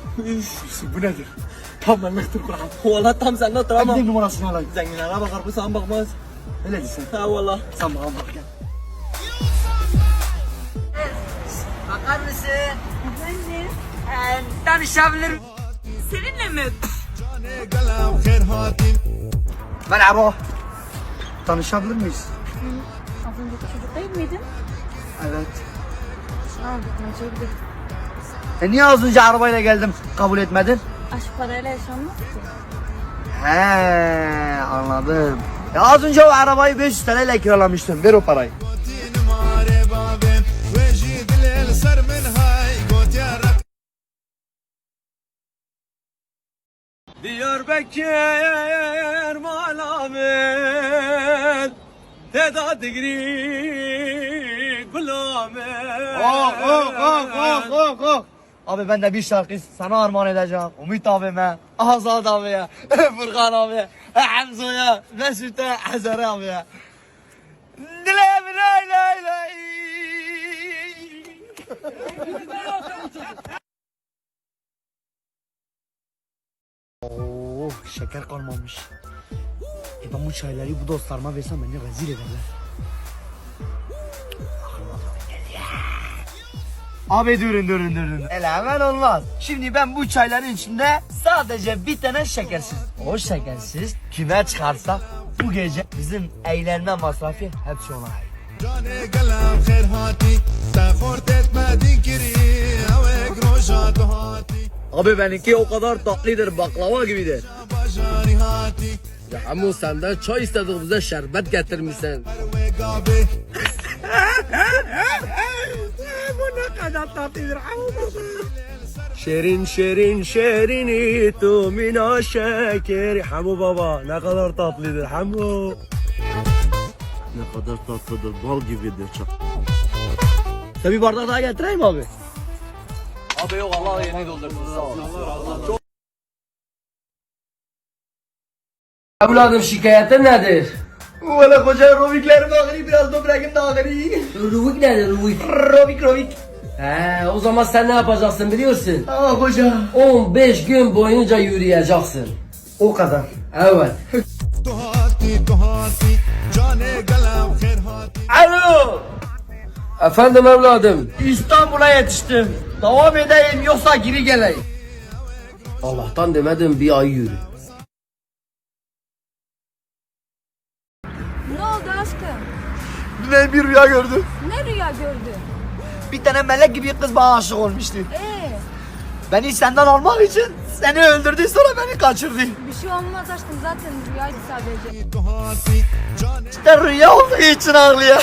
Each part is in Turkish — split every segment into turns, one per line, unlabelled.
Bu nedir? Tam benliktir Kur'an.
Valla tam sende otur ama.
Bir numarasını alayım.
Zenginlere bakar bu sana bakmaz.
Öyle değilsin.
Ha valla.
Sen bana bak gel.
Bakar mısın?
Efendim?
Tanışabilir.
Seninle mi?
Merhaba. Tanışabilir miyiz?
Az önceki çocuk değil miydin?
Evet.
Tanışabiliriz.
Niye az önce arabayla geldim kabul etmedin?
Aşk parayla yaşanmaz ki.
He anladım. Ya az önce o arabayı 500 TL ile kiralamıştım. Ver o parayı.
Diyarbakır malamet Teda digri gulamet
Oh. Abi ben de bir şarkı sana armağan edeceğim. Ümit abime, Azad abiye, Furkan abiye, Hamza'ya, Mesut'a, Hazar abiye. Dilem lay lay lay. Oh şeker kalmamış. Ben bu çayları bu dostlarıma versem beni rezil ederler. Abi durun. Hele hemen olmaz. Şimdi ben bu çayların içinde sadece bir tane şekersiz. O şekersiz kime çıkarsa bu gece bizim eğlenme masrafı hepsi ona ait. Abi benimki o kadar tatlıdır, baklava gibidir.
Ya Hamu senden çay istedik bize şerbet getirmişsin.
Bu ne kadar tatlıdır.
Şerin şerini tu mina şekeri. Hamu baba ne kadar tatlıdır Hamu.
Ne kadar tatlıdır, bal gibidir çok. Sen bir bardak daha getireyim abi.
Abi yok Allah yeni doldursun. Sağ ol. Evladım şikayetin nedir?
Valla koca roviklerim ağrıyor, biraz böbreğim de ağrıyor.
Ruvik nedir Ruvik?
Rovik.
He o zaman sen ne yapacaksın biliyorsun?
Aa koca.
15 gün boyunca yürüyeceksin.
O kadar.
Evet.
Alo.
Efendim evladım.
İstanbul'a yetiştim. Devam edeyim yoksa geri geleyim.
Allah'tan demedim bir ay yürü.
Ne oldu aşkım?
Dün bir rüya gördüm.
Ne rüya gördün?
Bir tane melek gibi kız bana aşık olmuştu. Beni senden almak için seni öldürdü, sonra beni kaçırdı.
Bir şey olmaz aşkım, zaten rüyaydı sadece.
İşte rüya olduğu için ağlıyor.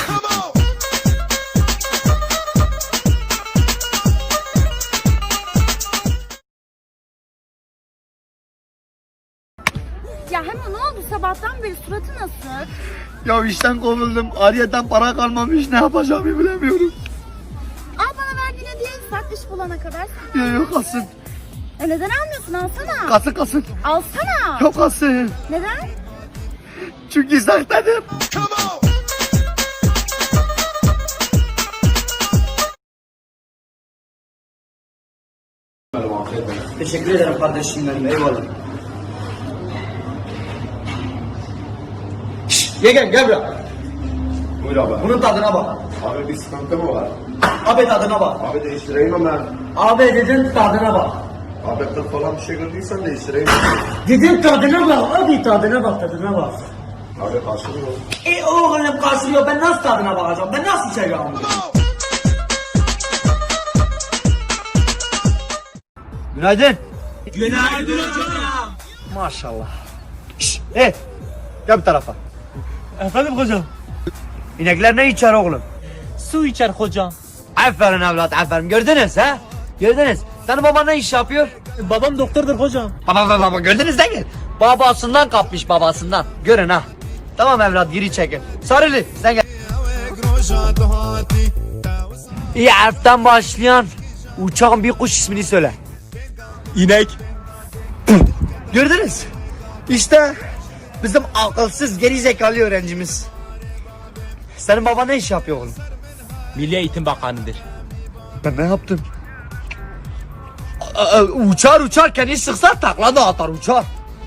Ya hemen ne oldu, sabahtan beri suratı nasıl?
Ya işten kovuldum, ayrıyeten para kalmamış, ne yapacağımı bilemiyorum.
Al bana verdiğin hediyeyi sak iş bulana kadar.
Yok kalsın,
Neden almıyorsun, alsana.
kalsın.
Alsana.
Yok kalsın.
Neden?
Çünkü sahtedir. Teşekkür ederim kardeşim benim, eyvallah. Yegen gel buraya.
Buyur abi.
Bunun tadına bak.
Abi bir sıkıntı mı var?
Abi tadına bak.
Abi değiştireyim hemen.
Abi dedin tadına bak.
Abi kız falan bir şey gördüysen değiştireyim.
Dedim tadına bak. Abi tadına bak, tadına bak.
Abi karşılıyor.
Oğlum karşılıyor, ben nasıl tadına bakacağım? Ben nasıl içeceğim bunu? Günaydın.
Günaydın hocam.
Maşallah. Şşş, gel bu tarafa.
Efendim hocam.
İnekler ne içer oğlum?
Su içer hocam.
Aferin evlat, aferin. Gördünüz ha? Gördünüz. Senin baban ne iş yapıyor?
Babam doktordur hocam.
Baba gördünüz değil mi? Babasından kapmış, babasından. Görün ha. Tamam evlat, geri çekin. Sarılı sen gel. İyi harften başlayan uçağın bir kuş ismini söyle.
İnek.
Gördünüz. İşte bizim akılsız geri zekalı öğrencimiz. Senin baban ne iş yapıyor oğlum?
Milli Eğitim Bakanı'dır.
Ben ne yaptım? Uçar uçar kendi sıksa takla da atar uçar.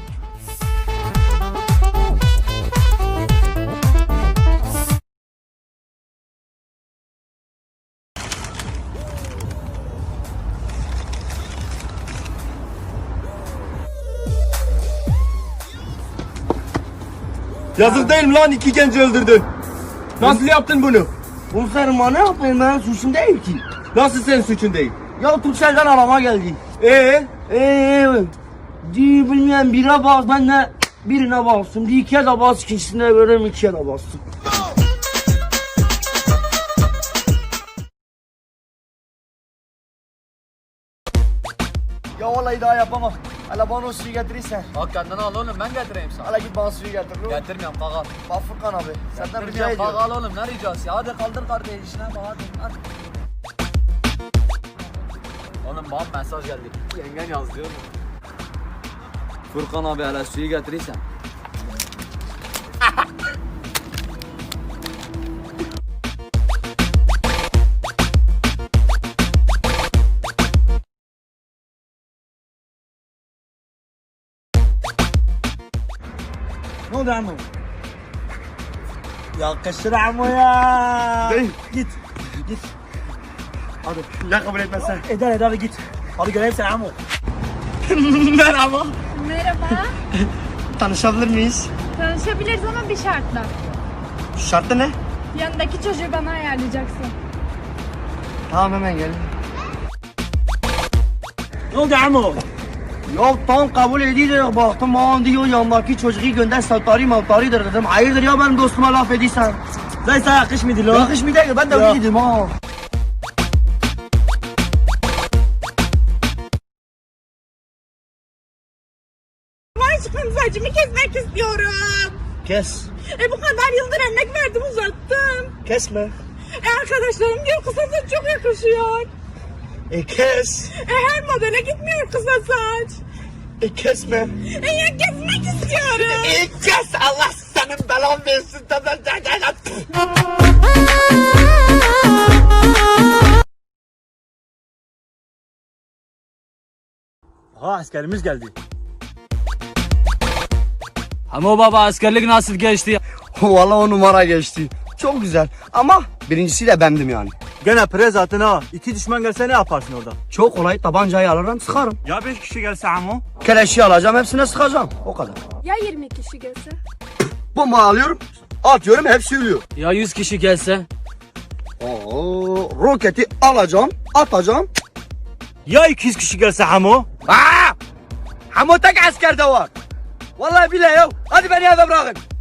Yazık değil mi lan, 2 genci öldürdün. Nasıl yaptın bunu?
Komiserim ne yapayım ben suçum değil ki.
Nasıl senin suçun değil?
Ya Türkcell'den arama geldi.
Ee?
Bilmeyen birine bak ben de birine bastım. Bir ikiye de bas ikincisine göre ikiye de bastım. Ya vallahi daha yapamam. Hala bana o suyu getirirsen.
Bak kendini al oğlum, ben getireyim sana.
Hala git bana suyu getir.
Getirmiyorum, kalk al.
Bak Furkan abi. Senden rica
Getirmiyorum, kalk
ediyorum.
al oğlum, ne ricası ya? Hadi kaldır kardeşine bak, hadi. Oğlum bana mesaj geldi. Yengen yaz diyor mu? Furkan abi hele suyu getirirsen.
Ne oldu amma? Yakışır amma ya. Git. Git. Hadi.
Ya kabul etmezsen?
Eder hadi git. Hadi göreyim seni amma. Merhaba.
Merhaba.
Tanışabilir miyiz?
Tanışabiliriz ama bir şartla.
Şartı ne?
Yanındaki çocuğu bana ayarlayacaksın.
Tamam hemen gel.
Ne oldu Amo?
Ya tam kabul ediyor baktım aman diyor yanındaki çocuğu gönder savtarıdır dedim. Hayırdır ya benim dostuma laf ediysen.
Zaysa yakışmıydı lan.
Yakışmıyor değil ben de
Ya.
öyle dedim ha.
Aşkım saçımı kesmek istiyorum.
Kes.
Bu kadar yıldır emek verdim uzattım.
Kesme.
Arkadaşlarım diyor kısa saç çok yakışıyor.
Kes.
Her modele gitmiyor kısa saç.
Kesme.
Ya kesmek istiyorum.
Kes Allah senin belan versin.
Ha, askerimiz geldi.
Ama baba askerlik nasıl geçti?
Vallahi o numara geçti. Çok güzel ama birincisi de bendim yani.
Gene pre zaten ha. 2 düşman gelse ne yaparsın orada?
Çok kolay tabancayı alırım sıkarım.
Ya 5 kişi gelse Amo?
Keleşi alacağım hepsine sıkacağım. O kadar.
Ya 20 kişi gelse?
Bomba alıyorum. Atıyorum hepsi ölüyor.
Ya 100 kişi gelse?
Oo, roketi alacağım, atacağım.
Ya 200 kişi gelse Amo?
Aa! Ama tek askerde var. Vallahi bile yok. Hadi beni eve bırakın.